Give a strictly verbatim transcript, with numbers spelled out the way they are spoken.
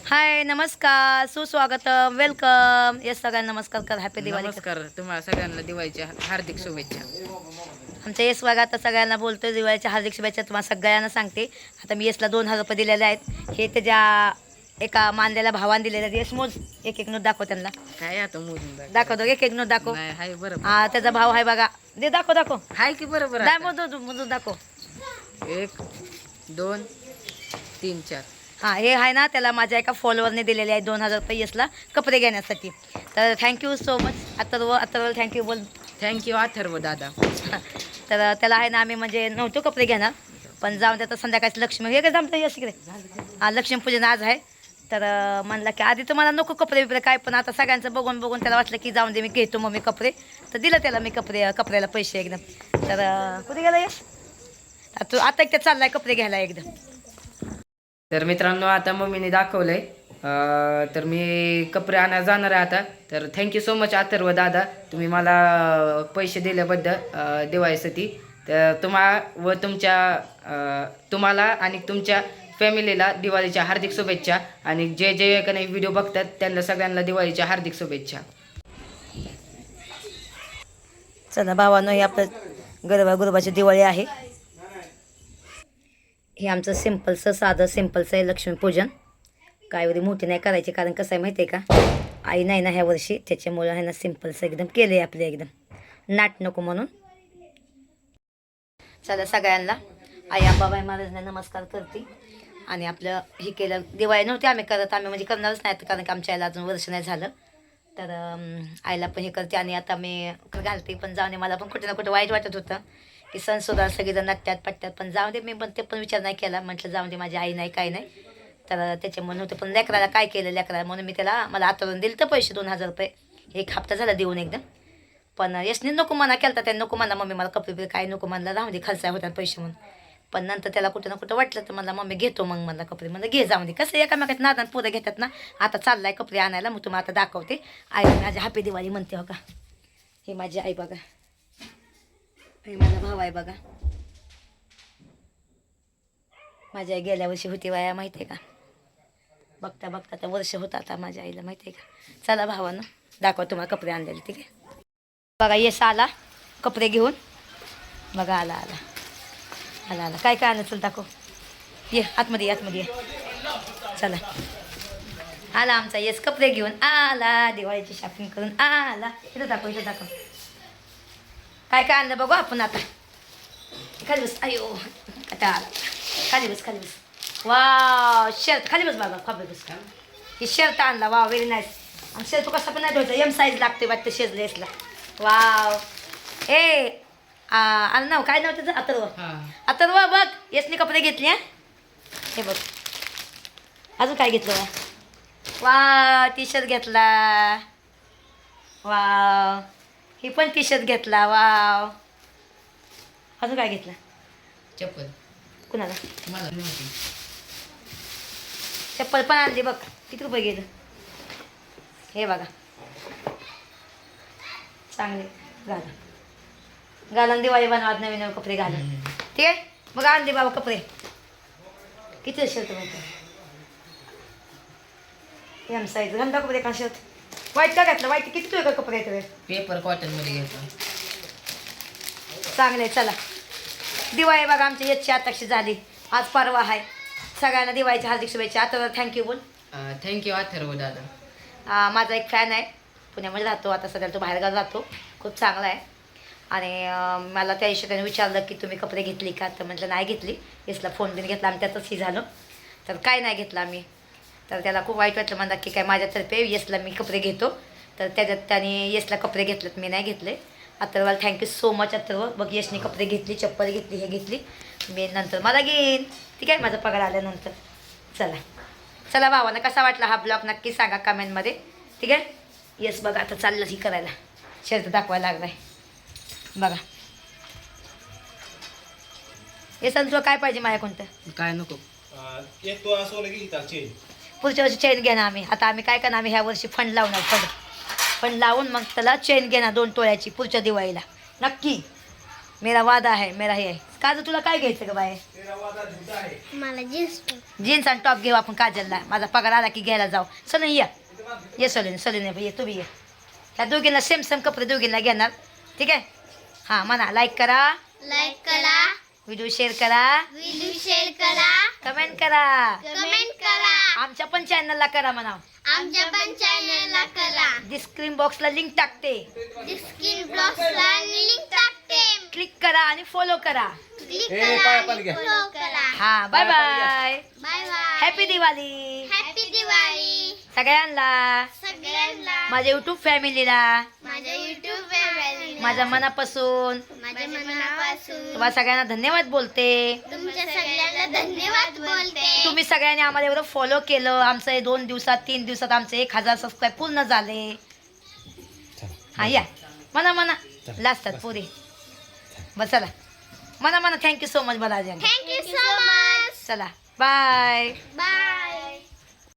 हाय नमस्कार सुस्वागत welcome yes सगळ्यांना नमस्कार कर हॅपी दिवाळी नमस्कार तुम्हाला सगळ्यांना दिवाळीच्या हार्दिक शुभेच्छा. आमच्या येस बघा आता सगळ्यांना बोलतोय दिवाळीच्या हार्दिक शुभेच्छा तुम्हाला सगळ्यांना सांगते. आता मी येसला दोन हजार रुपये दिलेले आहेत. हे त्याच्या एका मानलेल्या भावाने दिलेले आहेत. येस मोज एक एक नोट दाखव त्यांना. काय आता मोजून दाखव. दाखवतो एक एक नोट दाखव. नाही हाय बरोबर. हा त्याचा भाव आहे बघा. दे दाखव दाखव. हाय की बरोबर दाय आता. मोजून मोजून दाखव. एक दोन तीन चार. हां हे आहे ना त्याला माझ्या एका फॉलोअरने दिलेले आहे दोन हजार रुपये येसला कपडे घेण्यासाठी. तर thank you so much Atharva Atharva thank you बोल. थँक्यू अथर्व दादा. तर त्याला आहे ना आम्ही म्हणजे नव्हतो कपडे घेणार पण जाऊन त्याचं संध्याकाळी लक्ष्मी हे काय जमतं यश इकडे हा लक्ष्मीपूजन आज आहे. तर म्हणलं की आधी तुम्हाला नको कपडे बिपडे काय पण आता सगळ्यांचं बघून बघून त्याला वाटलं की जाऊन दे मी घेतो मग मी कपडे. तर दिलं त्याला मी कपडे कपड्याला पैसे एकदम. तर कुठे गेला यश तू आता एकट्या चाललाय कपडे घ्यायला एकदम. तर मित्रांनो आता मम्मीने दाखवलंय अं, तर मी कपडे आणायला जाणार आहे आता. तर थँक्यू सो मच अथर्व दादा तुम्ही मला पैसे दिल्याबद्दल अं, दिवाळीसाठी. तर तुम्हा व तुमच्या अं, तुम्हाला आणि तुमच्या फॅमिलीला दिवाळीच्या हार्दिक शुभेच्छा. आणि जे जे काही व्हिडिओ बघतात त्यांना सगळ्यांना दिवाळीच्या हार्दिक शुभेच्छा. चला भावानं हे आपलं गरबा गुरुबाची दिवाळी आहे. हे आमचं सिम्पलचं साधं सिम्पलचं आहे लक्ष्मीपूजन. काय एवढी मोठी नाही करायची कारण कसं आहे माहिती आहे का आई नाही ना ह्या वर्षी त्याच्यामुळं आहे ना सिम्पलचं एकदम केलं आहे आपले एकदम नाट नको म्हणून. चला सगळ्यांना आई अंबाबाई महाराजांना नमस्कार करते. आणि आपलं हे केलं दिवाळी नव्हती आम्ही करत आम्ही म्हणजे करणारच नाही कारण की आमच्या आईला अजून वर्ष नाही झालं. तर आईला पण हे करते आणि आता मी घालते पण जाऊन मला पण कुठे ना कुठे वाईट वाटत होतं की सण सुद्धा सगळेजण नटत्यात पटत्यात पण जाऊ दे मी पण ते पण विचार नाही केला म्हटलं जाऊ दे माझी आई नाही काय नाही. तर त्याच्यामुळे नव्हतं पण लेकराला काय केलं लेकराला म्हणून मी त्याला मला आतवरून दिलं तर पैसे दोन हजार रुपये एक हप्ता झाला देऊन एकदम. पण यशने नको म्हणा केला त्याने नको म्हणला मम्मी मला कपडे बिपडे काय नको म्हणला राहू दे खर्चा होतात पैसे म्हणून. पण नंतर त्याला कुठं ना कुठं वाटलं तर मला मम्मी घेतो मग मला कपडे म्हणलं घे जाऊ दे कसं एकामेकात नादान पोरं घेतात ना. आता चाललाय कपडे आणायला मग तुम्हाला आता दाखवते. आई माझी हॅपी दिवाळी म्हणते हो का. हे माझी आई बघा हे माझा भाव आहे बघा. माझी आई गेल्या वर्षी होती वाया माहिती आहे का. बघता बघता तर वर्ष होतं आता माझ्या आईला माहिती आहे का. चला भावानं दाखवा तुम्हाला कपडे आणलेले ठीक आहे. बघा येस आला कपडे घेऊन बघा आला आला आला आला काय काय आणलं दाखव ये आतमध्ये आतमध्ये ये चला. आला आमचा येस कपडे घेऊन आला दिवाळीची शॉपिंग करून आला. इथं दाखव इथं दाखव काय काय आणलं बघू आपण आता. खाली बस अयो कटा आला खाली बस खाली बस. वाव शर्ट खाली बस बाबा खाली बस. ही शर्ट आणला वाव व्हेरी नाईस. आणि शर्ट कसा पण नाही धुवायचा एम साईज लागते वाटतं शेजलेसला. वाव ए आलं नाव काय नाव त्याचं अथर्व अथर्व बघ येसने कपडे घेतले हा. हे बघ अजून काय घेतलं वा वा टी शर्ट घेतला. वाव ही पण टी शर्ट घेतला. वाव अजून काय घेतलं चप्पल कुणाला मला नव्हती. चप्पल पण आणली बघ किती रुपये गेलं हे बघा चांगले घाला घालून दिवाळी बनवात नवीन नवीन कपडे घालून ठीक आहे. मग आणले बाबा कपडे किती शर्ट माहिती एम साईज घालून कपडे का शर्ट वाईट का घातलं वाईट किती तुझ्या कपडे येतो पेपर कॉटन मध्ये घेतो चांगले. चला दिवाळी बघा आमची याची आताशी झाली आज परवा आहे. सगळ्यांना दिवाळीच्या हार्दिक शुभेच्छा. आता थँक्यू बोल. थँक्यू अथर्व दादा. आ, माझा एक फॅन आहे पुण्यामध्ये राहतो आता सध्या तो बाहेरगाव राहतो खूप चांगला आहे. आणि अं, मला त्या दिवशी त्याने विचारलं की तुम्ही कपडे घेतली का तर म्हटलं नाही घेतली. यसला फोन बिन घेतला आम्ही त्यातच ही झालं तर काय नाही घेतलं आम्ही. तर त्याला खूप वाईट वाटलं म्हणतात की काय माझ्यातर्फे यसला मी कपडे घेतो. तर त्याच्यात त्याने यसला कपडे घेतलेत मी नाही घेतले. अथर्वाला थँक्यू सो मच अथर्व. बघ यशने कपडे घेतली चप्पल घेतली हे घेतली मी नंतर मला घेईन ठीक आहे माझा पगार आल्यानंतर. चला चला भावानं कसा वाटला हा ब्लॉग नक्की सांगा कमेंटमध्ये ठीक आहे. येस बघा आता चाललं ही करायला शर्ट दाखवायला लागलाय बघा. येस तुला काय पाहिजे माझ्या कोणतं काय नको एक तो सोनं घेता चेन पुढच्या वर्षी चेन घेणार आम्ही. आता आम्ही काय करणार आम्ही ह्या वर्षी फंड लावणार फंड फंड लावून मग त्याला चेन घेणार दोन तोळ्याची पुढच्या दिवाळीला नक्की. मेरा वादा आहे मेरा हे आहे. काजू तुला काय घ्यायचं ग बाय? मला जीन्स जीन्स आणि टॉप घेऊ आपण काजलला. माझा पगार आला की घ्यायला जाऊ. सलून ये ये सलून सलून ये तुम्ही ये. त्या दोघींना सेम सेम कपडे दोघींना घेणार. ठीक आहे. हां म्हणा लाईक करा, लाईक करा, व्हिडिओ शेअर करा, व्हिडिओ शेअर करा, कमेंट करा. कमेंट करा, आमच्या पण चॅनलला करा म्हणा. आमच्या पण चॅनलला करा. डिस्क्रिप्शन बॉक्सला लिंक टाकते. स्क्रीन ब्लॉक्सला लिंक टाकते. क्लिक करा आणि फॉलो करा. क्लिक ए, करा पाया आणि पाणी घ्या. फॉलो करा. हा bye bye. Bye bye. Happy Diwali happy Diwali सगळ्यांना, सगळ्यांना, माझ्या युट्यूब फॅमिलीला, माझ्या युट्यूब फॅमिलीला, माझ्या मनापासून माझ्या मनापासून तुम्हाला सगळ्यांना धन्यवाद बोलते. तुमच्या सगळ्यांना धन्यवाद बोलते. तुम्ही सगळ्यांनी आम्हाला एवढं फॉलो केलं. आमचं हे दोन दिवसात तीन दिवसात आमचे एक हजार सबस्क्राईब पूर्ण झाले. हा या म्हणा म्हणा लाजतात पुरे. बस चला म्हणा म्हणा thank you so much Balaji. Thank you so much. चला बाय. बाय.